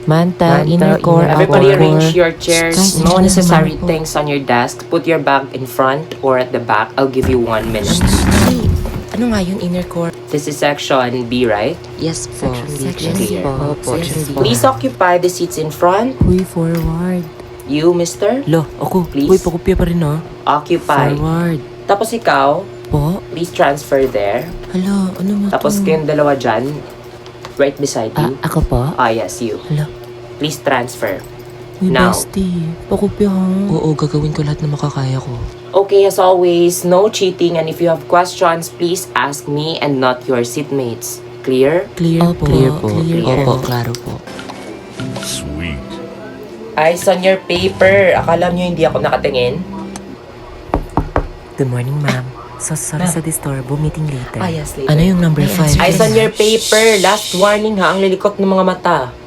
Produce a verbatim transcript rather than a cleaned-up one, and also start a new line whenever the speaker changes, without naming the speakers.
Manta, inner core,
Everybody
outer
arrange
core.
your chairs.
Guys,
No
ito na
necessary
naman po.
things on your desk. Put your bag in front or at the back. I'll give you one minute.
Hey, ano nga yun, inner core?
This is section B, right?
Yes po.
Section B.
Section B
Clear.
po.
Opo,
Section B.
Please occupy the seats in front.
Huy, forward.
You, mister,
Lo, ako.
Please.
Uy, pakopya pa rin ah.
occupy.
Forward.
Tapos ikaw,
Po?
please transfer there.
Hala, ano mo
Tapos
to?
kayong dalawa dyan, right beside
Ah,
you.
ako po?
Ah, yes, you.
Hala.
Please transfer.
Uy,
Now.
bestie. Pakopya ha. Oo, gagawin ko lahat na makakaya ko.
Okay, as always, no cheating, and if you have questions, please ask me and not your seatmates. Clear?
Clear
Opo,
po.
clear po,
Clear
clear.
Opo, klaro po.
Sweet.
Eyes on your paper. Akala nyo hindi ako nakatingin?
Good morning, ma'am. So sorry
Ma'am.
sa disturbo. Meeting later.
Ah, yes, later.
Ano yung number
May
five?
answer
Eyes on your paper. Last warning ha, ang lilikot ng mga mata.